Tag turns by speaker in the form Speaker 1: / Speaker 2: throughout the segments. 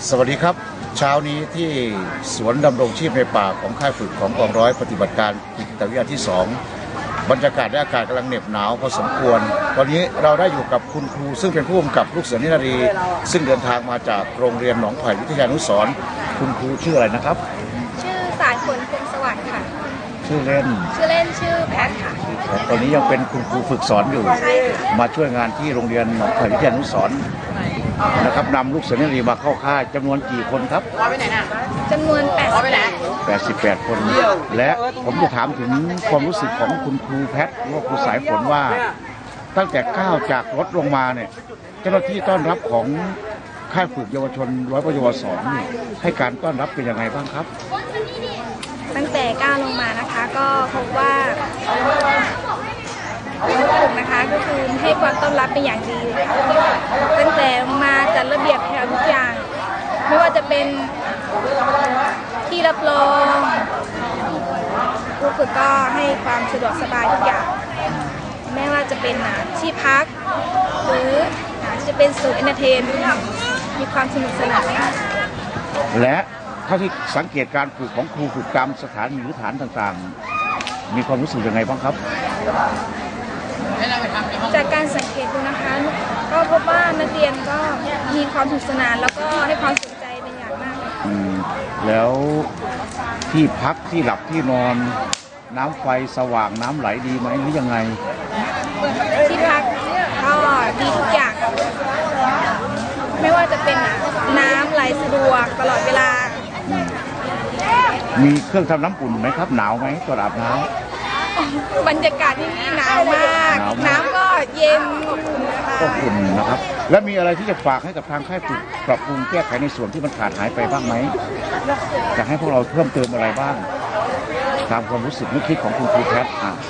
Speaker 1: สวัสดีครับเช้านี้ที่สวนดำรงชีพในป่าของค่ายฝึกของกองร้อยปฏิบัติการจิตวิทยาที่ 2บรรยากาศและอากาศกำลังเหน็บหนาวพอสมควรวันนี้เราได้อยู่กับคุณครูซึ่งเป็นผู้กำกับลูกเสือนิรารีซึ่งเดินทางมาจากโรงเรียนหนองไผ่วิทยานุสรณ์คุณครูชื่ออะไรนะครับ
Speaker 2: ชื่อสายฝนพงสวัสดิ์ค่ะ
Speaker 1: ชื่อเล่น
Speaker 2: ชื่อแพทค่ะ
Speaker 1: ตอนนี้ยังเป็นคุณครูฝึกสอนอยู่มาช่วยงานที่โรงเรียนหนองไผ่วิทยานุสรณ์นะครับนำลูกเสือนิรารีมาเข้าค่ายจำนวนกี่คนครับ
Speaker 2: จำนวน
Speaker 1: 88 คนและผมจะถามถึงความรู้สึกของคุณครูแพทหรือว่าครูสายฝนว่าตั้งแต่ก้าวจากรถลงมาเนี่ยเจ้าหน้าที่ต้อนรับของค่ายฝึกเยาวชนร้อยปยวสนี่ให้การต้อนรับเป็นยังไงบ้างครับ
Speaker 2: ตั้งแต่ก้าวลงมานะคะก็พบว่าฝึกนะคะก็คือให้ความต้อนรับเป็นอย่างดีตั้งแต่มาจัดระเบียบแถวทุกอย่างไม่ว่าจะเป็นที่รับรองผู้ฝึกก็ให้ความสะดวกสบายทุกอย่างไม่ว่าจะเป็นที่พักหรือจะเป็นศูนย์เอนเตอร์เทนมีความสนุกสนาน
Speaker 1: และเท่าที่สังเกตการฝึกของครูฝึกตามสถานีหรือฐานต่างๆมีความรู้สึกยังไงบ้างครับ
Speaker 2: จากการสังเกตดูนะคะก็พบว่านักเรียนก็มีความสนุกสนานแล้วก็ให้ความสนใจเป็นอย่างมาก
Speaker 1: แล้วที่พักที่หลับที่นอนน้ำไฟสว่างน้ำไหลดีไหมหรือยังไง
Speaker 2: ที่พักก็ดีทุกอย่างไม่ว่าจะเป็นน้ำไหลสะดวกตลอดเวลา
Speaker 1: มีเครื่องทำน้ำอุ่นไหมครับหนาวไหมตอนอาบน้ำ
Speaker 2: บรรยากาศที่นี่หนาวมากน้ำก็เย็น
Speaker 1: ก็อุ่นนะครับและมีอะไรที่จะฝากให้กับทางค่ายฝึกปรับปรุงแก้ไขในส่วนที่มันขาดหายไปบ้างไหมจะให้พวกเราเพิ่มเติมอะไรบ้างตามความรู้สึกนึกคิดของคุณครูแพท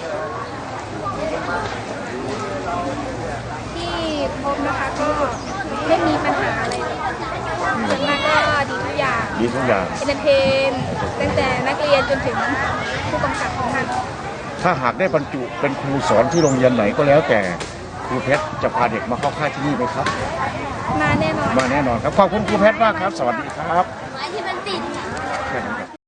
Speaker 2: ที่พบนะคะก็ไม่มีปัญหาอะไรส่วนมากก็ดีทุกอย่าง
Speaker 1: เอน
Speaker 2: เตอร์เทนตั้งแต่นักเรียนจนถึงผู้กำกับของท่าน
Speaker 1: ถ้าหากได้บรรจุเป็นครูสอนที่โรงเรียนไหนก็แล้วแต่ครูเพชรจะพาเด็กมาเข้าค่ายที่นี่ไหมครับ
Speaker 2: มาแน่นอน
Speaker 1: ครับขอบคุณครูเพชรมากครับสวัสดีครับ